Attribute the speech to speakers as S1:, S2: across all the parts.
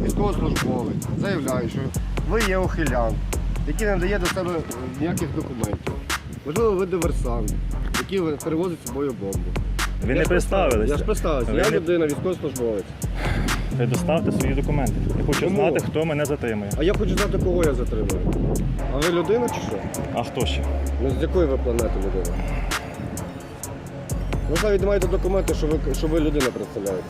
S1: військовослужбовець заявляє, що ви є ухилянт, який не дає до себе ніяких документів. Можливо, ви диверсант, який перевозить з собою бомбу.
S2: Ви не представилися.
S1: Я ж представився. Я людина, військовослужбовець.
S2: Ви доставте свої документи. Я хочу знати, хто мене затримує.
S1: А я хочу знати, кого я затримую. А ви людина чи що?
S2: А хто ще?
S1: Ну, з якої ви планети людина? Ви навіть не маєте документи, що ви людина представляєте.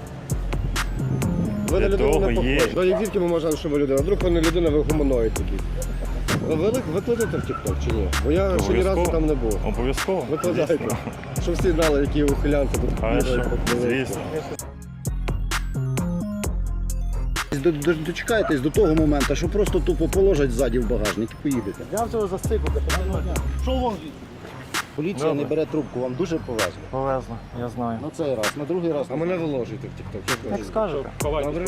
S1: Ви на людину не похожі. Ну, як звідки ми можемо, що ви людина? Вдруг ви не людина, ви гуманоїд якийсь. Ви викладете в TikTok чи ні? Бо я ще ні разу там не був.
S2: Обов'язково.
S1: Викладайте. Щоб всі знали, які ухилянці тут
S2: Хорошо, звісно.
S3: Дочекайтесь до того моменту, що просто тупо положать ззаді в багажник і поїдете.
S1: Я всього засипати. Що вон?
S3: Поліція
S2: Добре.
S3: не бере трубку, вам дуже повезло.
S2: Повезло, я знаю.
S3: На цей раз, на другий раз.
S1: А мене виложуйте в TikTok.
S2: Як скажете.
S1: Добре?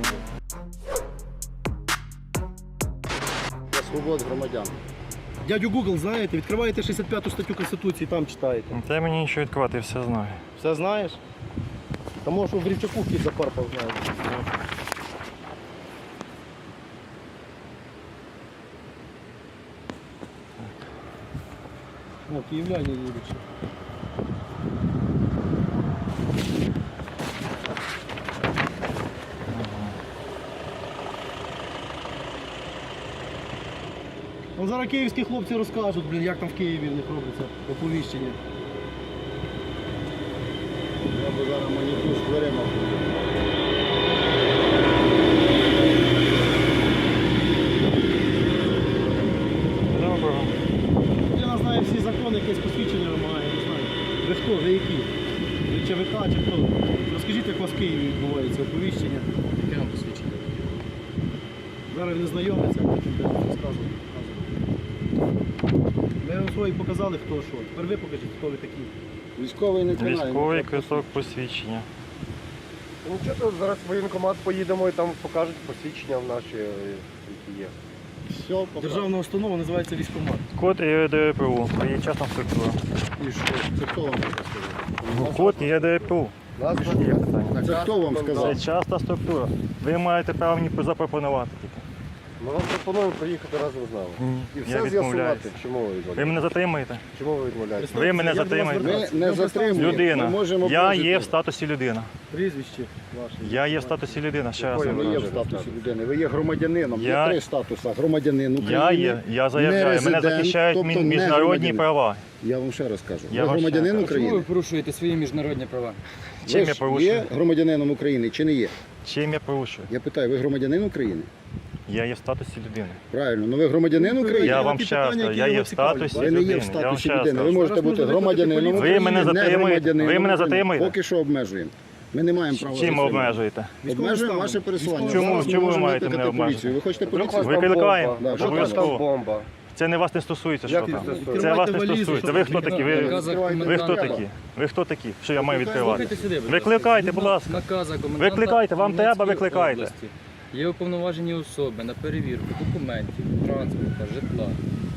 S3: Свобод громадян.
S4: Дядю Google знаєте, відкриваєте 65 статтю Конституції, там читаєте.
S2: Та мені нічого відкривати, я все знаю.
S4: Все знаєш? Та може в Рівчаку кіт запарпав, знаєш. О, київляне їдуть. Ну, зараз київські хлопці розкажуть, блін, як там в Києві в них робиться оповіщення.
S3: Я би зараз маніту з дверима.
S2: Доброго.
S4: Я знаю всі закони, якесь посвідчення вимагає, не знаю. Ви хто, ви які? Ви ЧВК чи хто? Розкажіть, як у вас в Києві відбувається оповіщення. Яке нам посвідчення? Зараз він знайомиться, а потім будемо розказувати. Ми вам свої показали, хто що. Тепер ви покажіть, хто ви такі.
S3: Військовий не тримає.
S2: Військовий квиток посвідчення.
S1: Ну що тут зараз в воєнкомат поїдемо і там покажуть посвідчення в наші, які є.
S3: Все,
S4: Державна установа називається військкомат.
S2: Код ЄДПУ, є частна структура.
S3: І що? Це хто вам сказав?
S2: Код ЄДПУ.
S1: Назва
S2: Є питання.
S3: Це хто вам сказав?
S2: Це частна структура. Ви маєте право мені запропонувати тільки.
S1: Ми вам пропонуємо приїхати разом з нами.
S2: Ні,
S1: І
S2: я
S1: все
S2: відмовляюсь.
S1: з'ясувати. Чому ви
S2: Ви
S1: відмовляєте?
S2: мене затримуєте?
S1: Чому ви відмовляєте?
S2: Ви мене
S4: Як до вас
S2: затримаєте?
S4: звертатися?
S3: Ми не затримуємо. Ми
S2: Людина.
S3: можемо
S2: Я
S3: прожити.
S2: є в статусі людина.
S4: Прізвище ваше.
S2: Я є в статусі людина. Ще раз
S1: Якої
S3: Ви
S2: вам
S3: є в
S2: кажу.
S3: статусі людини, ви є громадянином.
S2: Я-
S3: Є 3 статуси. Громадянин України.
S2: Я заявляю, мене
S3: резидент,
S2: захищають
S3: тобто не
S2: міжнародні
S3: громадянин.
S2: права.
S3: Я вам ще раз кажу.
S2: Я
S3: Ви
S2: вам ще
S3: громадянин
S2: кажу.
S5: Чому ви
S3: України?
S5: порушуєте свої міжнародні права?
S2: Чим
S3: Ви
S2: я
S3: ж
S2: порушую?
S3: є громадянином України чи не є?
S2: Чим я порушую?
S3: Я питаю, ви громадянин України?
S2: Я є в статусі людини.
S3: Правильно, ну ви громадянин України?
S2: Я
S4: на
S2: вам
S4: ті
S2: ще раз
S4: питання,
S2: кажу,
S4: які
S2: я є
S4: вас
S2: в статусі
S4: цікавлять.
S3: Ви не є
S2: людини.
S3: в
S2: Я вам
S3: статусі
S2: ще раз
S3: людини. Ви
S2: кажу.
S3: можете
S4: Зараз
S3: бути
S4: можна
S3: громадянином
S4: викликати
S3: України,
S2: поліцію. Ви мене
S3: не
S2: затримуєте?
S3: громадянином
S2: Ви мене
S3: України.
S2: затримуєте?
S3: Поки що обмежуємо. Ми не маємо права
S2: Чим
S3: затримати.
S2: обмежуєте?
S3: Обмежуємо ваше пересування.
S2: Чому-
S3: Зараз ми
S2: чому ви
S3: можемо
S2: маєте
S3: викликати
S2: мене
S3: поліцію.
S2: обмежити?
S3: Ви хочете
S1: Вдруг у
S3: поліцію?
S1: вас там
S2: Викликаємо.
S1: бомба.
S3: Да,
S1: Вдруг у вас там
S2: обов'язково.
S1: бомба.
S2: Це не вас не стосується, що
S1: Як не
S2: там.
S1: стосується?
S2: Це вас не
S4: Відкривайте
S2: стосується.
S4: валізу,
S2: Ви хто такі?
S5: В наказах
S2: Ви хто
S5: коменданта.
S2: такі? Ви хто такі? Що я маю відкривати?
S5: Слухайте сюди, будь ласка.
S2: Викликайте, будь ласка.
S5: Наказа коменданта
S2: Викликайте, вам треба,
S5: Хмельницької
S2: викликайте.
S5: області. Є уповноважені особи на перевірку документів, транспорту, житла.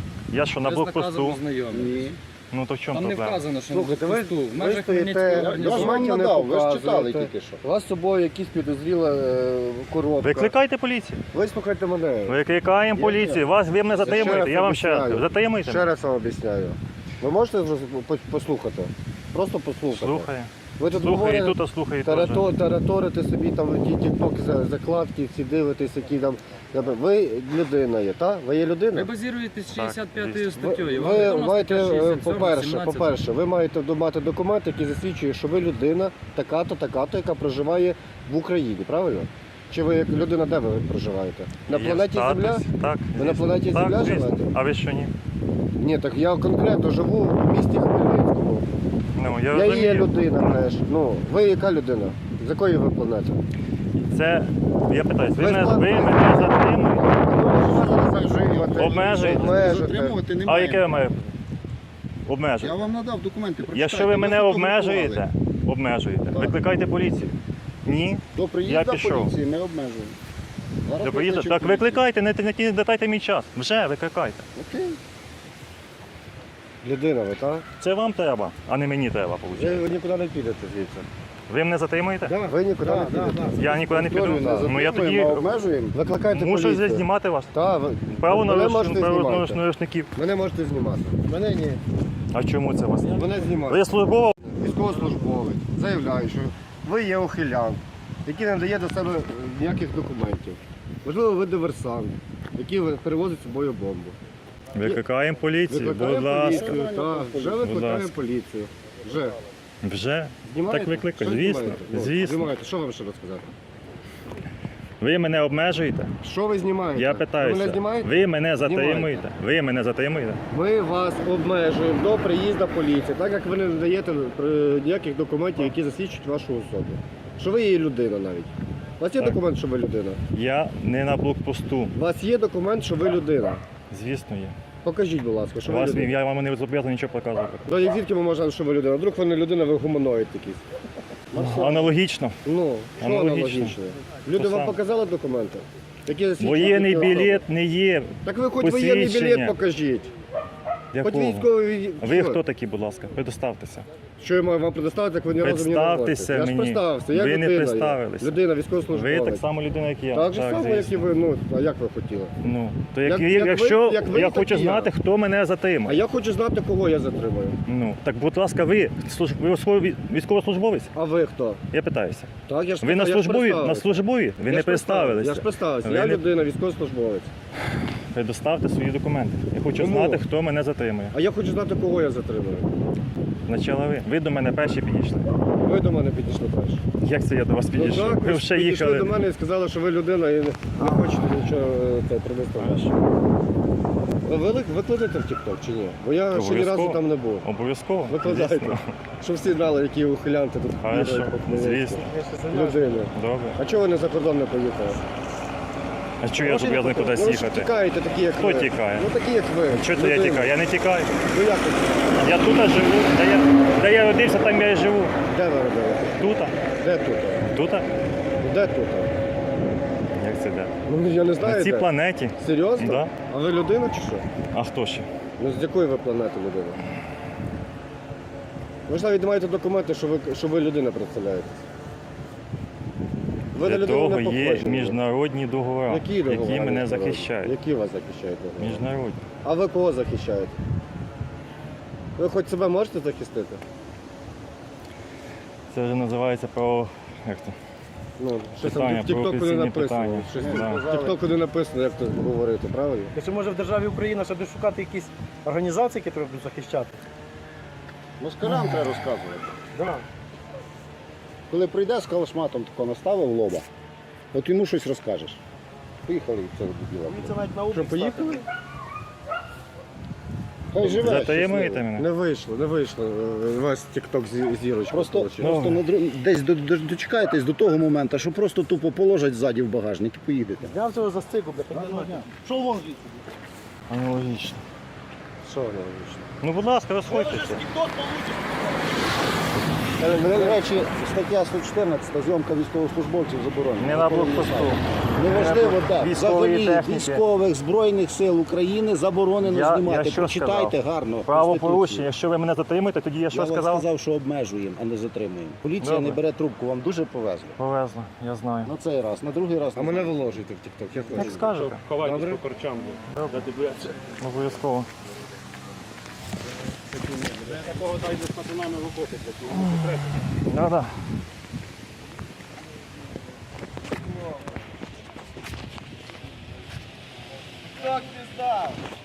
S2: Я що, на
S5: Ви з наказом
S2: блокпосту?
S5: ознайомлені.
S3: Ні.
S2: Ну то в чому
S5: Там не
S2: проблема?
S5: вказано, що на
S1: Слухайте,
S5: блокпосту. В
S1: ви
S5: межах
S1: стоїте-
S5: Хмельницької
S3: Я ж вам
S5: організації.
S1: Документів не
S3: надав, ви ж читали
S1: показуєте.
S3: тільки що.
S1: У вас з собою якісь підозріла коробка.
S2: Викликайте поліцію.
S1: Вислухайте мене.
S2: Викликаємо поліцію. Ви мене затримуєте,
S1: раз
S2: я вам ще раз
S1: обіцяю.
S2: кажу. Затримуйте
S1: Ще
S2: мене.
S1: раз вам об'ясняю. Ви можете послухати? Просто послухати.
S2: Слухаю.
S1: Ви тут
S2: Слухаю і
S1: говорите,
S2: тут, а слухаю і теж.
S1: тараторите собі там ті тіктоки, закладки, всі дивитесь, які там. Ви людина є, так? Ви є
S5: Ви
S1: людина?
S5: базуєтесь
S2: Так,
S5: 65
S2: звісно.
S5: статтею. Вам
S1: Ви
S5: відома
S1: маєте,
S5: стаття 67,
S1: по-перше,
S5: 17?
S1: ви маєте мати документ, який засвідчує, що ви людина така-то, така-то, яка проживає в Україні, правильно? Чи ви як людина, де ви проживаєте? На
S2: Є
S1: планеті
S2: статус.
S1: Земля?
S2: Так.
S1: Ви на
S2: звісно.
S1: планеті
S2: Так,
S1: Земля
S2: звісно.
S1: живете?
S2: А ви що ні?
S1: Ні, так я конкретно живу в місті Хмельницькому.
S2: Ну, я
S1: Я є
S2: розумію.
S1: людина теж. Ну, ви яка людина? З якої ви планети?
S2: Це, я питаюсь, ви
S1: Ви
S2: мене
S1: ж
S2: затримуєте? Обмежуєте?
S3: Затримувати
S2: А
S3: немає.
S2: яке має
S3: Я
S2: обмеження?
S3: вам надав документи.
S2: Якщо ви мене
S3: фотографували.
S2: обмежуєте,
S3: Так.
S2: викликайте поліцію. Ні.
S3: До
S2: Я
S3: приїзду
S2: пішов.
S3: поліції ми обмежуємо. Зараз
S2: До приїзду?
S3: викличу
S2: Так
S3: поліцію.
S2: викликайте, не дайте мій час. Вже викликайте.
S3: Окей.
S1: Людина ви, так?
S2: Це вам треба, а не мені треба, виходить.
S1: Ви нікуди не підете звідси.
S2: Ви мене затримуєте?
S1: Ви нікуди не підете.
S2: Я нікуди не піду.
S3: Повторюю,
S2: Ну я тоді
S3: затримуємо, обмежуємо.
S1: Викликайте
S2: мушу
S1: поліцію.
S2: знімати вас.
S1: Так, ви
S2: Право
S1: мене можете знімати.
S2: нарушників.
S1: Мене можете знімати. Мене ні.
S2: А чому це вас?
S1: Мене знімати.
S2: Ви службова?
S1: Військовослужбовець заявляє, що ви є ухилян, який не дає до себе ніяких документів. Можливо, ви диверсант, який перевозить з собою бомбу.
S2: Викликаємо поліцію, будь
S1: Викликаємо
S2: ласка.
S1: поліцію, так, вже викликаємо
S2: ласка.
S1: поліцію. Вже.
S2: Вже?
S1: Знімаєте?
S2: Так викликаю,
S1: Що
S2: звісно.
S1: знімаєте? Ну,
S2: Звісно.
S1: Знімаєте. Що вам ще розказати?
S2: Ви мене обмежуєте?
S1: Що ви знімаєте?
S2: Я
S1: Ви мене
S2: питаюся.
S1: знімаєте?
S2: Ви мене
S1: Знімаєте.
S2: затримуєте? Ви мене затримуєте?
S1: Ми вас обмежуємо до приїзду поліції, так як ви не надаєте ніяких документів, які засвідчують вашу особу. Що ви є людина навіть. У вас є
S2: Так.
S1: документ, що ви людина?
S2: Я не на блокпосту.
S1: У вас є документ, що ви людина.
S2: Звісно, є.
S1: Покажіть, будь ласка, що ви
S2: Вас,
S1: людина.
S2: я вам не зобов'язаний нічого показувати.
S1: Ну, як звідки ми можемо, що ви людина? Вдруг ви не людина, ви гуманоїд якийсь.
S2: Аналогічно.
S1: Ну, що
S2: Аналогічно.
S1: аналогічно? Люди
S2: То
S1: вам
S2: саме.
S1: показали документи? Які засвідчують
S2: Воєнний
S1: їхню особу?
S2: білет не є.
S1: Так ви хоч воєнний
S2: посвідчення.
S1: білет покажіть. Хоч
S2: Якого?
S1: військовий.
S2: Ви
S1: Що?
S2: хто такі, будь ласка? Предоставтеся.
S1: Що я маю вам предоставити, як ви ні разу мені не
S2: Представтеся
S1: говорите? Я ж
S2: мені.
S1: представився, я
S2: Ви не
S1: людина. є.
S2: представилися.
S1: Людина,
S2: Ви
S1: військовослужбовець.
S2: так само людина, як я.
S1: Так же само, як і
S2: звісно.
S1: ви, ну, а як ви хотіли?
S2: Ну, то
S1: Як ви-
S2: якщо
S1: як ви,
S2: я
S1: так
S2: хочу
S1: і я.
S2: знати, хто мене
S1: А
S2: затримує.
S1: я хочу знати, кого я затримую.
S2: Ну, так, будь ласка, ви військовослужбовець?
S1: А ви хто?
S2: Я питаюся.
S1: Так, я ж
S2: Ви на
S1: я ж
S2: службові? На
S1: представився.
S2: службові? Ви
S1: Я
S2: не
S1: ж представився. Я ж
S2: представилися.
S1: представився.
S2: Ви
S1: Я
S2: не-
S1: людина, військовослужбовець.
S2: Предоставте свої документи. Я хочу
S1: Чому?
S2: знати, хто мене затримує.
S1: А я хочу знати, кого я затримую.
S2: Спочатку ви. Ви до мене перші підійшли.
S1: Ви до мене підійшли перші.
S2: Як це я до вас підійшов?
S1: Ну, так,
S2: Ви
S1: ви
S2: вже
S1: підійшли
S2: їхали.
S1: до мене і сказали, що ви людина і не хочете нічого предоставити. Ви викладете в TikTok чи ні? Бо я ще ні разу
S2: Обов'язково.
S1: там не був.
S2: Обов'язково.
S1: Викладайте.
S2: Звісно.
S1: Щоб всі знали, які ухилянти тут
S2: Хорошо.
S1: бігають по Хмельницьку.
S2: Звісно.
S1: Людини.
S2: Добре.
S1: А чого ви не за кордон не поїхали?
S2: А чого я зобов'язаний кудись
S1: Ну, ви ж
S2: їхати?
S1: тікаєте такі, як
S2: Хто
S1: ви.
S2: тікає?
S1: Ну такі, як ви.
S2: Чого це я
S1: Людина.
S2: тікаю? Я не тікаю.
S1: Ну як ви?
S2: Я тут живу. Де я родився, там я і живу.
S1: Де ви робили?
S2: Тут?
S1: Де тут?
S2: Тут?
S1: Де тут?
S2: Як це де?
S1: Ну я не знаю,
S2: На цій
S1: де.
S2: планеті.
S1: Серйозно?
S2: Да.
S1: А ви людина чи що?
S2: А хто ще?
S1: Ну з якої ви планети людина? Ви ж навіть не маєте документи, що ви людина представляєте. Ви на
S2: Для
S1: людину
S2: того
S1: не
S2: є
S1: похожі.
S2: міжнародні договори,
S1: Які договори
S2: які мене
S1: міжнародні?
S2: захищають.
S1: Які вас захищають договори?
S2: Міжнародні.
S1: А ви кого захищаєте? Ви хоч себе можете захистити?
S2: Це вже називається право. Як то?
S1: Ну, щось там
S2: Питання,
S1: в тіктоку не
S2: провокаційні
S1: написано.
S2: питання.
S1: Щось
S2: Да.
S1: в тіктоку не написано, як тут говорити, правильно?
S4: Чи може в державі Україна ще десь шукати якісь організації, які треба будуть захищати?
S3: Москалям треба розказувати.
S4: Да.
S3: Коли прийде з калашматом тако наставив лоба, от йому щось розкажеш. Поїхали від цього дебіла.
S4: Це навіть на
S1: Що, поїхали?
S3: Хай живе.
S2: Затаємуєте
S3: щасливо.
S2: мене?
S1: Не вийшло. У вас тікток зірочка.
S3: Просто,
S1: получилась.
S3: просто десь дочекайтесь до того моменту, що просто тупо положать ззаді в багажник і поїдете.
S4: Я цього застигу, бля. Що вон звідси?
S2: Аналогічно.
S1: Що воно вийшло?
S2: Ну, будь ласка, розходьтеся.
S3: До речі, стаття 114, зйомка військовослужбовців заборонена.
S2: Не на блокпосту.
S3: Неважливо, так.
S2: Військової
S3: Взагалі
S2: техніки.
S3: військових Збройних сил України заборонено
S2: Я
S3: знімати.
S2: що
S3: Прочитайте
S2: сказав?
S3: гарно.
S2: Правопорушення.
S3: Конституцію.
S2: Якщо ви мене затримуєте, тоді я що
S3: Я вам
S2: сказав?
S3: сказав, що обмежуємо, а не затримуємо. Поліція
S2: Добре.
S3: не бере трубку, вам дуже повезло.
S2: Повезло, я знаю.
S3: На цей раз, на другий раз.
S1: А мене виложуйте в тікток, як
S2: Як
S1: хочете.
S2: скажете.
S1: Добре?
S2: Обов'язково. Да-да.
S4: Так, пізда.